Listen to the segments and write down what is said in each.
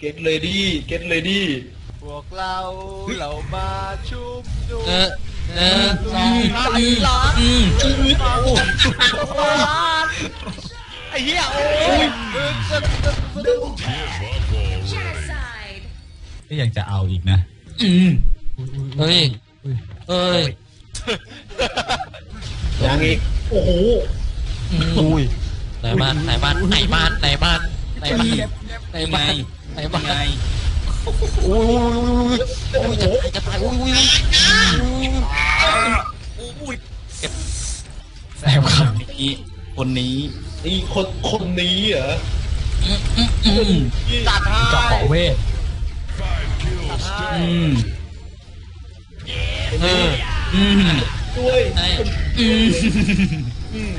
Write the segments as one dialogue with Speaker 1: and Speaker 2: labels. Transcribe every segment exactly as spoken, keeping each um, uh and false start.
Speaker 1: get ready get ready
Speaker 2: พวกเราเรามาชุมนุม
Speaker 3: เออเออสอง
Speaker 2: อืม
Speaker 3: อืม
Speaker 2: ไอ้เหี้ยโอ้ย
Speaker 4: Genocide.
Speaker 5: ก็ยังจะเอาอีกนะอืม
Speaker 3: เฮ้ยเฮ้ย
Speaker 1: ยังอีกโอ้โห
Speaker 3: อุ้ยไหนบ้านไหนบ้านไหนบ้านไหนบ้านไหนบ้านไหนบ้านไหนบ้านอุ้ยอุ้ยจะตายจะตายอุ้ยอุ้ยอุ้ยเก็บ
Speaker 5: แซมครับนี้คนนี้
Speaker 1: นี่คนคนนี้เหรอ
Speaker 2: ตัดให้
Speaker 5: เจาะขอเวท
Speaker 2: ตัดให้
Speaker 5: อืม
Speaker 3: เออ
Speaker 5: อืม
Speaker 1: ด้วย
Speaker 3: ไอ้
Speaker 5: อืม
Speaker 1: อืม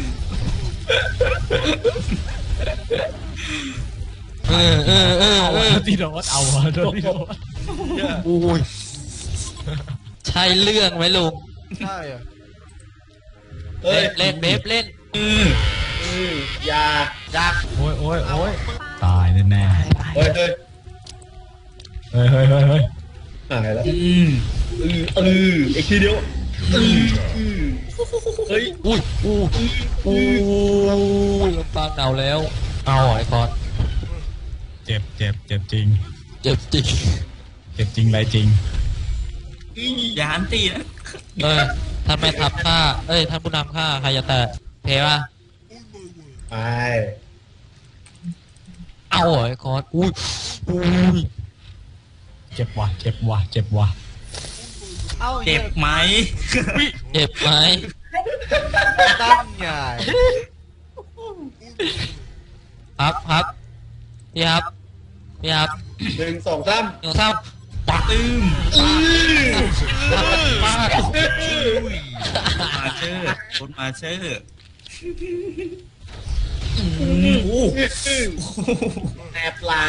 Speaker 3: เออเออเออเออ
Speaker 5: ที่โดนเอาวะโดนที่โดน
Speaker 3: อุ้ยใช่เรื่องไหมลุง
Speaker 2: ใช่อะ
Speaker 1: เฮ้ย
Speaker 3: เล่นเบฟเล่น
Speaker 5: อืม
Speaker 1: อืมอยา
Speaker 3: จัก
Speaker 5: โอ้ยโอ้ยโอ้ยตายแน่แน่
Speaker 1: เฮ้ยเฮ้ย
Speaker 5: เฮ้ยเฮ้ยเฮ้ยเฮ้ย
Speaker 1: หายแล้ว
Speaker 5: อืม
Speaker 1: เออเอออีกทีเดียวเออเออเฮ้ย
Speaker 3: อุ้ยอุ้ยอุ้ยลำปางหนาวแล้วเอาไอ้คอน
Speaker 5: เจ็บเจ็บเจ็บจริง
Speaker 3: เจ็บจริง
Speaker 5: เจ็บจริงไรจริง
Speaker 6: อย่าหันตีนะ
Speaker 3: เออท่านแม่ทัพฆ่าเอ้ยท่านผู้นำฆ่าใครจะแตะเพป่ะ
Speaker 1: ไป
Speaker 3: เอาไอ้คอนอุ้ยอุ้ย
Speaker 5: เจ็บว่ะเจ็บว่ะเจ็บว่ะ
Speaker 2: เอ้า
Speaker 6: เจ็บไหม
Speaker 3: เจ็บไหม
Speaker 2: ตั้งไง
Speaker 3: ครับครับพี่ครับพี่ครับ
Speaker 1: หนึ่งสองสาม
Speaker 3: หนึ่งสามปัก
Speaker 6: ตึม
Speaker 3: มาก
Speaker 6: มาเชอร์คนมาเชอร์
Speaker 1: แอบหลัง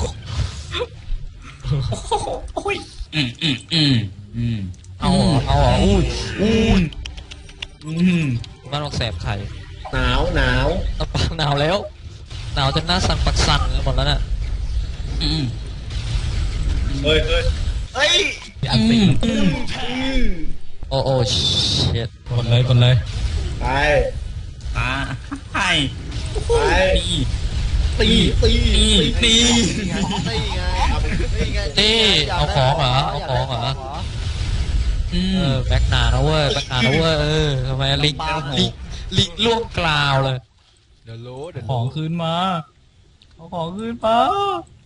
Speaker 6: อืมอืมอืมอืม
Speaker 3: เอาเหรอเอาเหรออุ้ยอุ้ย
Speaker 6: อืม
Speaker 3: บ้านออกแสบไข่
Speaker 1: หนาวหนาว
Speaker 3: ลำปางหนาวแล้วหนาวจนหน้าสั่นปักสั่นกันหมดแล้วน่ะ
Speaker 6: อืม
Speaker 1: เฮ้ยเฮ้ย
Speaker 2: เฮ้ย
Speaker 5: อันติ
Speaker 1: อืม
Speaker 3: โอ้โอ้เช็ด
Speaker 5: กดเลยกดเลย
Speaker 1: ไป
Speaker 6: อ่าให้
Speaker 1: ไป
Speaker 6: ตี
Speaker 1: ตีตีตี
Speaker 2: นี่ไงนี่ไงนี่ไง
Speaker 3: นี่เอาของเหรอเอาของเหรอ
Speaker 6: อื
Speaker 3: เอ
Speaker 6: ม
Speaker 3: อแบ็กหนานะเว้ยแบ็กหนานะเว้ยเออทำไมลิงลิงลิงล่วงกล่าวเลย
Speaker 2: เดี๋ยวรู้เดี๋ยว
Speaker 5: ของคืนมาเอาของคืนมา